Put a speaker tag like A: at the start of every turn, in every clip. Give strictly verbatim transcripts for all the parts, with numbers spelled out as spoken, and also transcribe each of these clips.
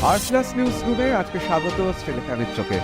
A: আর plus news রুমে আজকে স্বাগত শ্রীলেখা মিত্রকে।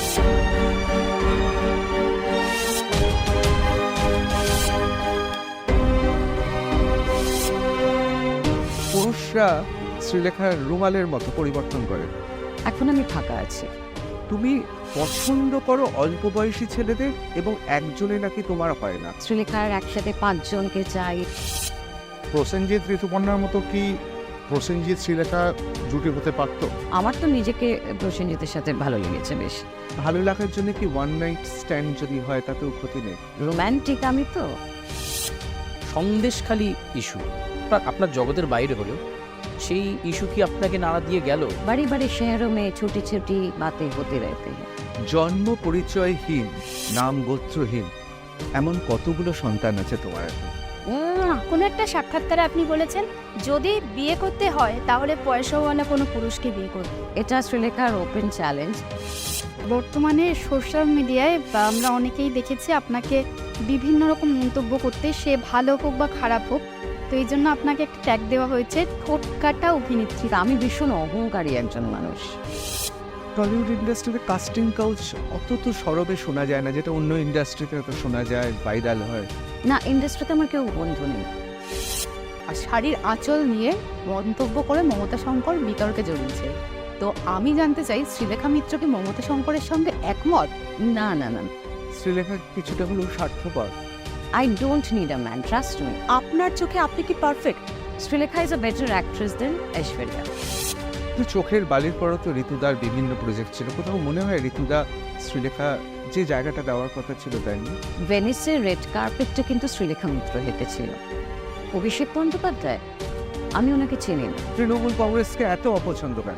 A: পুরুষরা শ্রীলেখার রুমালের মতো পরিবর্তন করে।
B: এখন আমি ফাঁকা আছি।
A: তুমি পছন্দ করো অল্প বয়সী ছেলেদের এবং একজনে নাকি তোমার হয় না।
B: শ্রীলেখার একসাথে পাঁচজনকে চাই।
C: প্রসেনজিৎ ঋতুপর্ণার মতো কি প্রসেনজিৎ শ্রীলেখা জুটি হতে পারতো?
B: আমার তো নিজেকে প্রসেনজিতের সাথে ভালো লেগেছে বেশ।
A: ভালো লাগার জন্য কি ওয়ান নাইট স্ট্যান্ড যদি হয় তাতেও ক্ষতি নেই।
B: রোম্যান্টিক আমি তো।
D: সন্দেশখালি ইস্যু আপনার জগতের বাইরে হলো, সেই ইস্যু কি আপনাকে নাড়া দিয়ে গেল?
B: বাড়ি বাড়ি শহরও মে ছোটি ছোটি বাতে হতে রহতে হ্যাঁ।
A: জন্ম পরিচয়হীন, নাম গোত্রহীন এমন কতগুলো সন্তান আছে তোমার?
E: কোনো একটা সাক্ষাৎকারে আপনি বলেছেন যদি বিয়ে করতে হয় তাহলে পয়সাওয়ালা কোনো পুরুষকে বিয়ে করবে।
B: এটা শ্রীলেখার ওপেন চ্যালেঞ্জ।
E: বর্তমানে সোশ্যাল মিডিয়ায় বা আমরা অনেকেই দেখেছি আপনাকে বিভিন্ন রকম মন্তব্য করতে, সে ভালো হোক বা খারাপ হোক। তো এই জন্য আপনাকে একটা ট্যাগ দেওয়া হয়েছে ঠোঁট কাটা অভিনেত্রী।
B: আমি ভীষণ অহংকারী একজন মানুষ।
A: টলিউড ইন্ডাস্ট্রিতে কাস্টিং কাউচ অত তো সরবে শোনা যায় না, যেটা অন্য ইন্ডাস্ট্রিতে তো শোনা যায়, ভাইরাল হয়।
B: না, ইন্ডাস্ট্রিতে আমার কেউ বন্ধু নেই।
F: আর শাড়ির আঁচল নিয়ে মন্তব্য করে মমতা শঙ্কর বিতর্কে জড়িয়েছে। তো আমি জানতে চাই শ্রীলেখা মিত্র কি মমতা শঙ্করের সঙ্গে একমত?
B: না না না,
A: শ্রীলেখা কিছুটা হলেও স্বার্থপর।
B: I don't need a man, trust me.
F: আপনার চোখে আপনি কি perfect?
B: Srilekha is a better actress than Aishwarya.
A: তো চোখের বালির পরও তো ঋতুদার বিভিন্ন প্রজেক্ট ছিল, কোথাও মনে হয় ঋতুদা শ্রীলেখা যে জায়গাটা দেওয়ার কথা ছিল দেয়নি?
B: ভেনিসের রেড কার্পেটটা কিন্তু শ্রীলেখা মিত্র হেঁটেছিল। অভিষেক বন্দ্যোপাধ্যায়, আমি ওনাকে চিনি না।
A: তৃণমূল কংগ্রেসকে এত অপছন্দ কেন?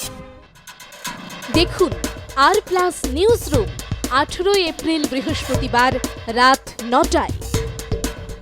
G: দেখুন আর প্লাস নিউজ রুম আঠেরোই এপ্রিল বৃহস্পতিবার রাত নটায়।